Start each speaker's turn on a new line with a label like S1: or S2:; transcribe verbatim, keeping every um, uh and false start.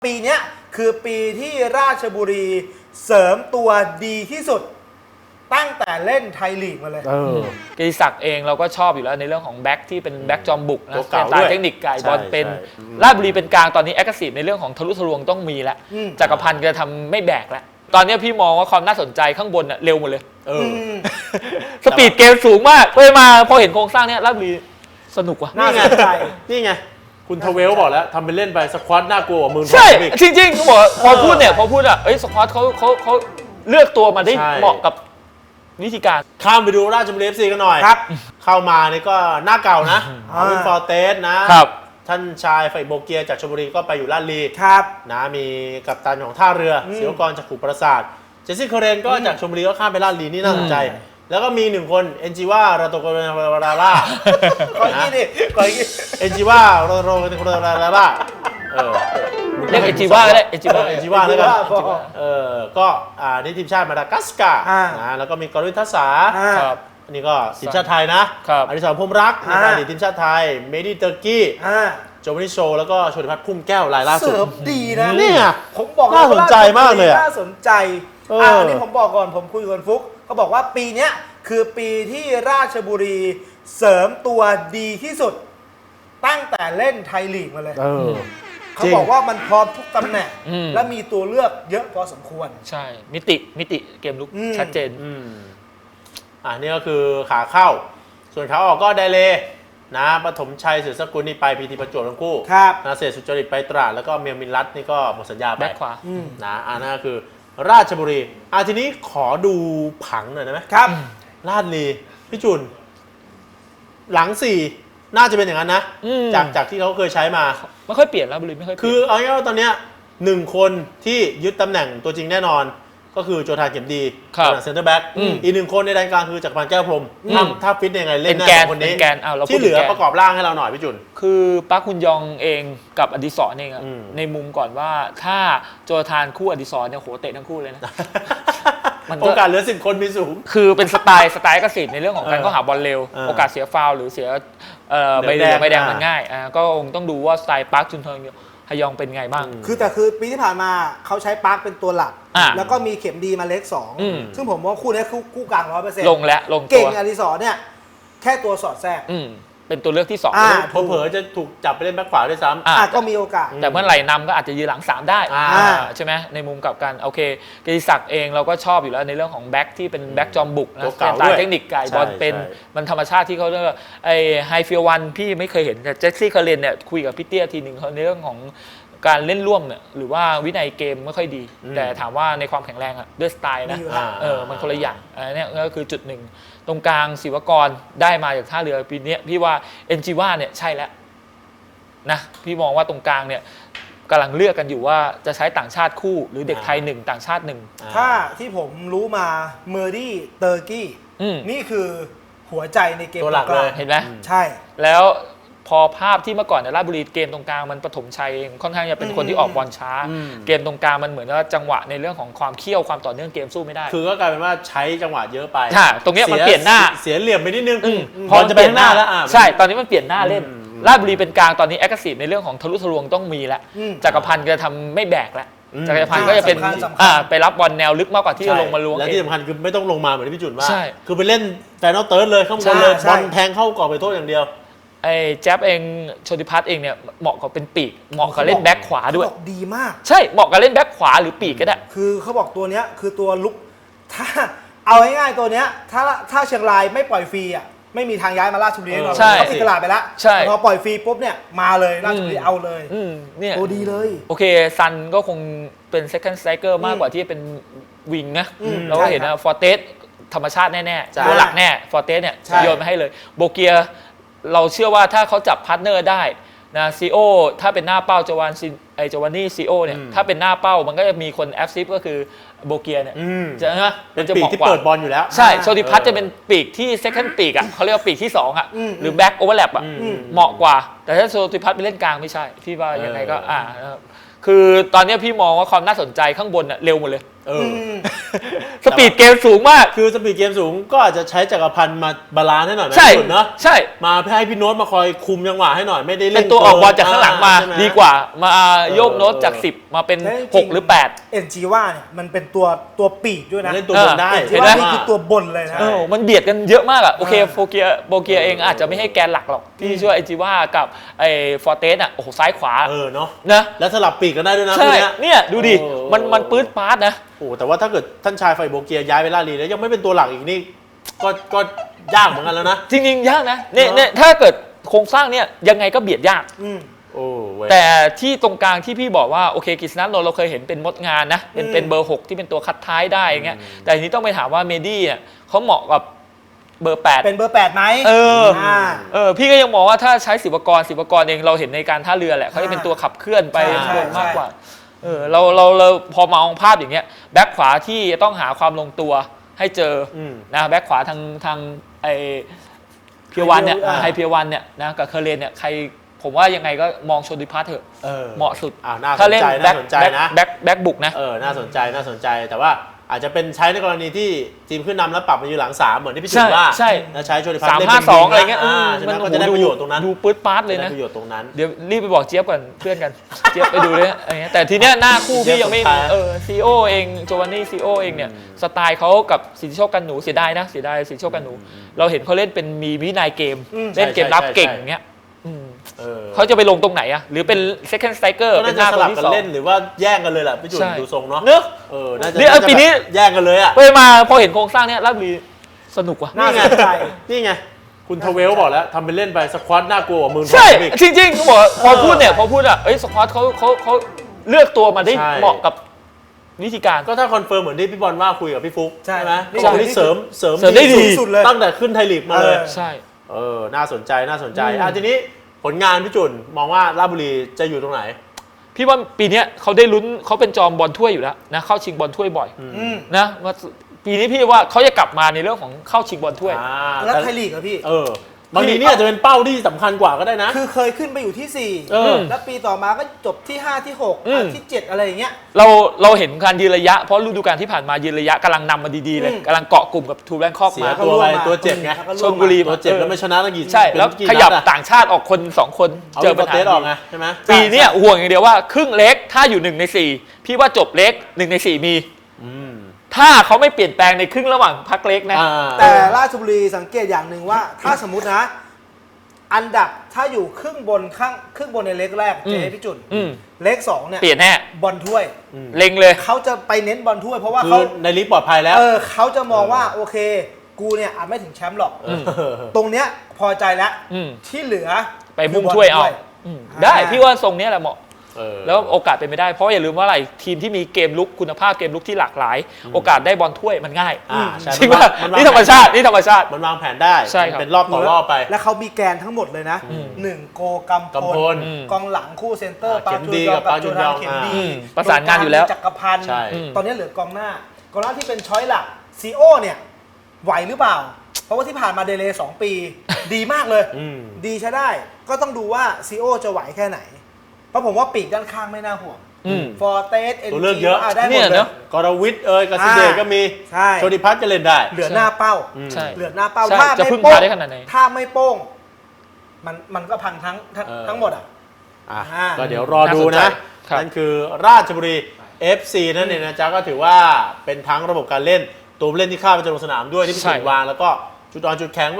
S1: ปีนี้คือปีที่ราชบุรีเสริมตัวดีที่สุดตั้งแต่เล่นไทยลีกมาเลย
S2: กฤษศักดิ์เองเราก็ชอบอยู่แล้วในเรื่องของแบ็คที่เป็นแบ็คจอมบุกนะสไตล์เทคนิคไก่บอลเป็นราชบุรีเป็นกลางตอนนี้แอคทีฟในเรื่องของทะลุทะลวงต้องมีแล้วจักรพันธ์จะทำไม่แบกแล้วตอนนี้พี่มองว่าความน่าสนใจข้างบนเร็วหมดเลยสปีดเกมสูงมากเลยมาพอเห็นโครงสร้างเนี้ยราชบุรีสนุกว่ะ
S3: นี่ไงนี่ไงคุณทเวลบอกแล้วทำเป็นเล่นไปสควอตน่ากลัวกว่ามือ
S2: ใช่จริงๆบอกพอพูดเนี่ยพอพูดอ่ะเอ้ยสควอตเขาเขาเขาเลือกตัวมาได้เหมาะกับวิธีการ
S3: ข้ามไปดูราชบุรี เอฟ ซี กันหน่อย
S1: ครับ
S3: เข้ามานี่ก็หน้าเก่านะอาวินฟอร์เตสนะครับท่านชายไฟโบเกียจากชลบุรีก็ไปอยู่ราชบุรี
S1: ครับ
S3: นะมีกัปตันของท่าเรือศิวกรจากขุประสาทเจสซี่เคเรนก็จากชลบุรีก็ข้ามไปราชบุรีนี่น่าสนใจแล้วก็มีหนึ่งคนเอนจิว่าราโตโกราล่า
S1: ขออีกดิขออีก
S3: เอนจิว่าโรโรโกราล่าเออ
S2: เรียกเอนจิว่าก็ได้เอนจิว่า
S3: เอนจิว่าแล้วกันเออก็อ่านี่ทีมชาติมาดากัสการ์นะแล้วก็มีกรวินทัศา
S2: ครับ
S3: อันนี้ก็ทีมชาติไทยนะอดิศรพรหมรักในการทีมชาติไทยเมดิเตอร์กี้โจมานิโชแล้วก็โชติพัฒน์พุ่มแก้วรายล่าสุด
S1: เสริมดีนะ
S3: นี่ไง
S1: ผมบอก
S3: น่าสนใจมากเลย
S1: น่าสนใจอ่านี่ผมบอกก่อนผมคุยกับฟุกเขาบอกว่าปีนี้คือปีที่ราชบุรีเสริมตัวดีที่สุดตั้งแต่เล่นไทยลีกมาเลยเขาบอกว่ามันพร้อมทุกตำแหน่งและมีตัวเลือกเยอะพอสมควร
S2: ใช่มิติมิติเกมลุกชัดเจน
S3: อ่านี่ก็คือขาเข้าส่วนขาออกก็ไดเลนะปฐมชัยเสือสกุลนี่ไปพีทีประจวบทั้งคู่นาเศษสุจริตไปตราดแล้วก็เมียมินรัตนี่ก็หมดสัญญาไป
S2: แบ็คขวา
S3: นะอ่านั่นก็คือราชบุรีอ่ะทีนี้ขอดูผังหน่อยได้ไหม
S1: ครับ
S3: ราชบุรีพี่จุนหลังสี่น่าจะเป็นอย่างนั้นนะจากจากที่เขาเคยใช้มา
S2: ไม่ค่อยเปลี่ยนราชบุรีไม่ค่อย
S3: คือเอาง่ายๆตอนเนี้ยหนึ่งคนที่ยึดตำแหน่งตัวจริงแน่นอนก็คือโจธาเก็บดีเซ็นเตอร์แบ็กอีกหนึ่งคนในแดนกลางคือจักรพันธ์แก้วพรหมถ้าฟิตยังไงเล่นแน่คนนี้ที่เหลือประกอบร่างให้เราหน่อยพี่จุน
S2: คือปักคุนยองเองกับอดิศรเองในมุมก่อนว่าถ้าโจธานคู่อดิศรเนี่ยโหเตะทั้งคู่เลยนะ
S3: โอกาสเหลือสิบคนมีสูง
S2: คือเป็นสไตล์สไตล์กสิทธิ์ในเรื่องของการเข้าหาบอลเร็วโอกาสเสียฟาวล์หรือเสียใบแดงใบแดงมันง่ายก็คงต้องดูว่าสไตล์ปักจุนเทิงฮยองเป็นไงบ้าง
S1: คือแต่คือปีที่ผ่านมาเขาใช้ปาร์คเป็นตัวหลักแล้วก็มีเข็มดีมาเล็กสองซึ่งผมว่าคู่นี้คู่คู่กลางร้อยเปอร์เซ็นต์
S2: ลงแล้วลงตัว
S1: เก่งอดิศรเนี่ยแค่ตัวสอดแทรก
S2: เป็นตัวเลือกที่สอง
S3: เผลอๆจะถูกจับไปเล่นแบ็คขวาด้วยซ้
S1: ำก็มีโอกาส
S2: แต่เมื่อไหร่นำก็อาจจะยืนหลังสามได้ใช่ไหมในมุมกับการโอเคกฤษศักดิ์เองเราก็ชอบอยู่แล้วในเรื่องของแบ็คที่เป็นแบ็คจอมบุกนะสไตล์เทคนิคไก่บอลเป็นมันธรรมชาติที่เขาเรียกว่าไอ้ไฮฟิลวันพี่ไม่เคยเห็นแต่เจสซี่เคอร์เรนเนี่ยคุยกับพี่เตี้ยทีหนึ่งเขาในเรื่องของการเล่นร่วมเนี่ยหรือว่าวินัยเกมไม่ค่อยดีแต่ถามว่าในความแข็งแรงอะด้วยสไตล์นะเออมันคนละอย่างอันนี้ก็คือจุดหนึ่งตรงกลางศิวกรได้มาจากท่าเรือปีนี้พี่ว่าเอ็นจิว่าเนี่ยใช่แล้วนะพี่มองว่าตรงกลางเนี่ยกำลังเลือกกันอยู่ว่าจะใช้ต่างชาติคู่หรือเด็กไทยหนึ่งต่างชาติหนึ่ง
S1: ถ้าที่ผมรู้มาเมอร์ดี้เตอร์กี้นี่คือหัวใจในเกม
S3: ตัวหลักเลย
S2: เห็นไหม
S1: ใช่
S2: แล้วพอภาพที่เมื่อก่อนในราชบุรีเกมตรงกลางมันปฐมชัยเองค่อนข้างจะเป็นคนที่ออกบอลช้าเกมตรงกลางมันเหมือนว่าจังหวะในเรื่องของความเขี้ยวความต่อเนื่องเกมสู้ไม่ได้
S3: คือก็กลายเป็นว่าใช้จังหวะเยอะไป
S2: ตรงนี้มันเปลี่ยนหน้า
S3: เสียเหลี่ยมไปนิดนึง
S2: พอจะเป็นหน้าแล้วใช่ตอนนี้มันเปลี่ยนหน้าเล่นราชบุรีเป็นกลางตอนนี้แอคทีฟในเรื่องของทะลุทะลวงต้องมีแล้วจักรพันธ์จะทำไม่แบกแล้วจักรพันธ์ก็จะเป็นไปรับบอลแนวลึกมากกว่าที่จะลงมาล้วง
S3: และที่สำคัญคือไม่ต้องลงมาเหมือนที่พี่จุนว่าคือไปเล่นแฟนอลเติร์ดเลยข้างบนเลยบอลแทงเข้ากรอบไปโทษอย่างเดียว
S2: ไอ้แจ๊บเองโชติพัฒน์เองเนี่ยเหมาะกับเป็นปีกเหมาะกับเล่นแบ็คขวาด้วย
S1: ดีมาก
S2: ใช่เหมาะกับเล่นแบ็คขวาหรือปีกก็ได้
S1: คือเขาบอกตัวเนี้ยคือตัวลุกถ้าเอาง่ายๆตัวเนี้ยถ้าถ้าเชียงรายไม่ปล่อยฟรีอ่ะไม่มีทางย้ายมาราชบุรีแน่นอนเขาปิดตลาดไปแล้วพอปล่อยฟรีปุ๊บเนี่ยมาเลยราชบุรีเอาเลย
S2: เนี่ย
S1: ตัวดีเลย
S2: โอเคซันก็คงเป็น second striker มากกว่าที่เป็นวิงนะเราก็เห็นนะฟอร์เตสธรรมชาติแน่ๆตัวหลักแน่ฟอร์เตสเนี่ยโยนมาให้เลยโบเกียเราเชื่อว่าถ้าเขาจับพาร์ทเนอร์ได้นะซีโอถ้าเป็นหน้าเป้าจวานไอจวานนี่ซีโอเนี่ยถ้าเป็นหน้าเป้ามันก็จะมีคนแอฟซิฟก็คือโบเกียเนี่ยจะนะ
S3: เป็นปีกที่เปิดบอลอยู่แล้ว
S2: ใช่โชติพัฒน์จะเป็นปีกที่เซคันด์ปีกอ่ะเขาเรียกว่าปีกที่สองอ่ะหรือแบ็กโอเวอร์แลปอ่ะเหมาะกว่าแต่ถ้าโชติพัฒน์ไปเล่นกลางไม่ใช่พี่ว่ายังไงก็อ่าคือตอนนี้พี่มองว่าความน่าสนใจข้างบนอ่ะเร็วหมดเลยสปีดเกมสูงมาก
S3: คือสปีดเกมสูงก็อาจจะใช้จักรพันธ์มาบาลานซ์ให้หน่อยไหม
S2: ใช่
S3: พี่จุนเนาะ
S2: ใช่
S3: มาให้พี่โน้ตมาคอยคุมจังหวะให้หน่อยไม่ได้เล่
S2: เป็น นตัวออกบอลจากข้างหลังมา
S3: ใช่ไห
S2: ดีกว่ามาโยกโน้ตจากสิบมาเป็น
S1: แล้วจริงๆ
S2: หกหรือแปด
S1: เอ็นจีว่าเนี่ยมันเป็นตัวตัวปีกด้วยนะ
S3: เล่นตัวบนได้
S1: เอ็นจี
S2: เห็นไหม
S1: ว่านี่คือตัวบนเลยนะ
S2: เออมันเบียดกันเยอะมากอะโอเค
S1: อ่า
S2: โฟเกียโบเกียเองอาจจะไม่ให้แกนหลักหรอกที่ช่วยไอจิว่ากับไอฟอร์เตสอะโอ้โหซ้ายขวา
S3: เออเนาะ
S2: นะ
S3: แล้วสลับปีกกันได้ด้วยนะ
S2: ใช่
S3: พวกเนี้ย
S2: เนี่ยดูดิ
S3: โอ้
S2: มันมันปื๊ดปาร์ตนะ
S3: โอ้แต่ว่าถ้าเกิดท่านชายไฟโบเกียย้ายไปลาลีแล้วยังไม่เป็นตัวหลักอีกนี่ก็ก็ยากเหมือนกันแล้วนะ
S2: จริงๆ ยากนะเนี่ย
S3: เนอะ
S2: เนี่ยถ้าเกิดโครงสร้างเนี่ยยังไงก็เบียดยาก
S1: อืม
S3: โอ้เว้ย
S2: แต่ที่ตรงกลางที่พี่บอกว่าโอเคกฤษณะนนท์เราเคยเห็นเป็นมดงานนะเป็น
S1: อืม
S2: เป็นเบอร์หกที่เป็นตัวคัดท้ายได้อย่างเงี้ยแต่ทีนี้ต้องไปถามว่าเมดี้เนี่ยเขาเหมาะกับเบอร์แปด
S1: เป็นเบอร์แปดไหม
S2: เออ
S1: อ่า
S2: เออพี่ก็ยังมองว่าถ้าใช้ศิวกรศิวกรเองเราเห็นในการท่าเรือแหละเขาจะเป็นตัวขับเคลื่อนไป
S1: ใช่
S2: ข้างบน
S1: ใช่
S2: มากกว่าเออเราเราเราพอมองภาพอย่างเงี้ยแบ็คขวาที่จะต้องหาความลงตัวให้เจออ
S3: ม
S2: นะแบ็คขวาทางทางไอเพียวันเนี่ย
S1: อ่า
S2: ไฮเพียวันเนี่ยนะกับเคอร์เรนเนี่ยใครผมว่ายังไงก็มองชนดิพัทเถอะ
S3: เออ
S2: เหมาะสุด
S3: อ่าน่าส
S2: ถ้าน เล่น
S3: ใจ
S2: แบ็
S3: น่า
S2: ค
S3: สนใจ
S2: แบ็ค
S3: นะ
S2: แบ็คแบ็คบุกนะ
S3: เออน่าสนใจน่าสนใจแต่ว่าอาจจะเป็นใช้ในกรณีที่ทีมขึ้นนำแล้วปรับมาอยู่หลังสามเหมือนที่พี่จุ
S2: ใช่
S3: นว่า
S2: ใช่
S3: แล้วใช้โชติพัฒ
S2: สาม
S3: น์เล่น
S2: ห้า
S3: เป็น
S2: สอง
S3: วิ
S2: อะไรเงี้ย
S3: อ่า
S2: อืม
S3: ใช่ไหมก็จะได้ประโยชน์ตรงนั้น
S2: ดูปื๊ดปาร์ตเลย
S3: ได้
S2: นะ
S3: ประโยชน์ตรงนั้น
S2: เดี๋ยวรีบไปบอกเจี๊ยบก่อนเพื่อนกัน เจี๊ยบไปดูเลยอะไรเงี้ยแต่ทีเนี้ยหน้าคู่พี่ยังไม่
S3: เจี๊ยบสำคัญ
S2: เออซีโอเองโจวานนี่ซีโอเองเนี่ยสไตล์เขากับสิทธิโชคกันหนูเสียดายนะเสียดายสิทธิโชคกันหนู เราเห็นเขาเล่นเป็นมีวินัยเกม
S1: อืม
S2: เล่นเกมรับ
S3: ใช่ใช่
S2: เก่ง
S3: ใช่
S2: อย่างเงี้ยอืม
S3: เออ
S2: เขาจะไปลงตรงไหนอะหรือเป็น second striker
S3: ก็
S2: เป็
S3: น่าน
S2: ห
S3: จะ
S2: น้า
S3: ส
S2: คน
S3: ลับ
S2: ที่
S3: กัน
S2: สอง
S3: เล่นหรือว่าแย่งกันเลยแหละพี่จุน
S2: ใช่
S3: ดูทรงเนาะ
S2: เนอะ
S3: เออน่าจะ
S2: เนี่ย
S3: น่าจะ
S2: ปีนี้
S3: แบบแย่งกันเลยอ่ะ
S2: ไปมาพอเห็นโครงสร้างเนี้ยราชบุรีสนุกว่ะ
S1: น่า
S3: นี่
S1: ส
S3: ไง
S1: นใจ
S3: นี่ไงคุณทเวลบอกแล้วทำเป็นเล่นไปสควอตน่ากลัวกว่ามือ
S2: ใช่
S3: อีก
S2: จริงๆเขาบอกว่าพอพูดเนี่ยพอพูดอ่ะเอ้ยสควอตเขาเขาเขาเลือกตัวมาได้
S3: ใช่
S2: เหมาะกับวิธีการ
S3: ก็ถ้าคอนเฟิร์มเหมือนที่พี่บอลว่าคุยกับพี่ฟุก
S1: ใช่
S3: ไหม
S1: นี่
S3: เขาบอกนี่เสริมเสริม
S2: เสริมได้ดี
S1: สุดเลย
S3: ตั้งแต่ขึ้นไทยลีกมาเลย
S1: เออ
S2: ใช่
S3: เออ น่าสนใจ น่าสนใจ
S2: อืม
S3: อ่ะทีนี้ผลงานพี่จุนมองว่าราชบุรีจะอยู่ตรงไหน
S2: พี่ว่าปีเนี้ยเขาได้ลุ้นเขาเป็นจอมบอลถ้วยอยู่แล้วนะเข้าชิงบอลถ้วยบ่อย
S1: อืม
S2: นะว่าปีนี้พี่ว่าเขาจะกลับมาในเรื่องของเข้าชิงบอลถ้วย
S3: อ่า
S1: แล้ว
S3: แต่
S1: ไทยลีกอะพี่
S3: เออบางทีนี่อาจจะเป็นเป้าที่สำคัญกว่าก็ได้นะ
S1: คือเคยขึ้นไปอยู่ที่สี่
S3: เออ
S1: แล้วปีต่อมาก็จบที่ห้าที่หก
S2: อืม
S1: อ่ะที่เจ็ดอะไรอย่างเงี้ย
S2: เราเราเห็นการยืนระยะเพราะฤดูกาลที่ผ่านมายืนระยะกำลังนำมาดีๆเลย
S1: อืม
S2: กำลังเกาะกลุ่มกับทูแบงคอก
S3: เสีย
S2: มา
S3: ตัวไปตัวเจ็บไง
S1: แล้วก็
S2: ชลบุรี
S3: ตัวเจ็บแล้วไม่ชนะตั้งกี่
S2: ใช่แล้ว
S3: เป็นกี่
S2: ขยับ
S3: นัดอะ
S2: ต่างชาติออกคนสองคน
S3: เอา
S2: เจอปัญหา
S3: เตสออกไงใช่ไหม
S2: ปีเนี้ยห่วงอย่างเดียวว่าครึ่งเล็กถ้าอยู่หนึ่งในสี่พี่ว่าจบเล็กหนึ่งในสี่มี
S3: อืม
S2: ถ้าเขาไม่เปลี่ยนแปลงในครึ่งระหว่างพักเล็กนะ
S3: อ่า
S1: แต่ราชบุรีสังเกตอย่างหนึ่งว่า ถ้าสมมตินะ อันดับถ้าอยู่ครึ่งบนข้างครึ่งบนในเล็กแรก
S2: อืม
S1: เจ๊พี่จุน
S2: อืม
S1: เล็กสองเนี่ย
S2: เปลี่ยนแน่
S1: บอลถ้วย
S2: เล็งเลย
S1: เขาจะไปเน้นบอลถ้วย เพราะว่า
S3: คื
S1: เขา
S3: อในลีกปลอดภัยแล้ว
S1: เออเขาจะมองว่าโอเค กูเนี่ยอาจไม่ถึงแชมป์หรอก
S2: อืม
S1: ตรงเนี้ยพอใจแล้ว
S2: อืม
S1: ที่เหลือ
S2: ไปมุ่งถ้วยเอาอืมได้
S1: อ่า
S2: พี่ว่าทรงเนี้ยแหละเหมาะ
S3: เออ
S2: แล้วโอกาสเป็นไปได้เพราะอย่าลืมว่าอะไรทีมที่มีเกมลุกคุณภาพเกมลุกที่หลากหลาย โอกาสได้บอลถ้วยมันง่าย
S3: อ่าใช่
S2: จริง
S3: มัน
S2: ป่ะ
S3: วาง
S2: นี่ธรรมชาตินี่ธรรมชาติ
S3: มันวางแผนได้
S2: ใช่ครับ
S3: มันเป็นรอบต่อรอบไป
S1: แล้วเขามีแกนทั้งหมดเลยนะ
S2: อืม
S1: หนึ่งโกกัม
S3: กำพล
S2: อืม
S1: กองหลังคู่เซนเตอร์
S3: อ่า
S1: ปา
S3: เข็ม
S1: จู
S3: ดี
S1: ยอง
S3: กับ
S1: กับ
S3: ปาจู
S1: โจ
S3: ย
S1: นา
S3: อง
S1: เข็มดี
S2: อืมประสานงานอยู่แล้ว
S1: จักรพันธ์
S3: ใช่
S2: อืม
S1: ตอนนี้เหลือกองหน้ากองหน้าที่เป็นช้อยหลักซีโอเนี่ยไหวหรือเปล่า เพราะว่าที่ผ่านมาเดเลย์สองปี ดีมากเลย
S3: อืม
S1: ดีใช้ได้ ก็ต้องดูว่าซีโอจะไหวแค่ไหน เพราะผมว่าปีกด้านข้างไม่น่าห่วง
S2: อืม
S1: ฟอร์เตสเอ็น
S3: ตัวเลือกเยอะ
S1: ได้หม
S2: เนี่
S1: ด
S2: ย
S1: เล
S2: เน
S1: ย
S2: อะ
S3: กรวิทย์เอ้ยกสิเดชก็มี
S1: ใช่
S3: โชติพัฒน์ก็เล่นได้
S1: เหลือหน้าเป้า
S3: อืม
S2: ใช่
S1: เหลือหน้าเป้า
S2: ใช่
S1: ถ้า
S2: จะ
S1: ไม่
S2: พึ่ง
S1: โป้
S2: พาง ได้ขนาดไหน
S1: ถ้าไม่โป้ง มันมันก็พังทั้งทั้ง
S3: เออ
S1: ทั้งหมดอ่ะ
S3: อ่ะ
S1: อ่า
S3: ก็เดี๋ยวรอดู
S2: น่าสนใจ
S3: นะครับ นั่นคือราชบุรี เอฟ ซี นั่นเองนะจ๊ะก็ถือว่าเป็นทั้งระบบการเล่นตัวผู้เล่นที่เข้าไปจะลงสนามด้วยที่พี่
S2: ใช่
S3: สุวางแล้วก็จุดอ่อนจุดแข็ง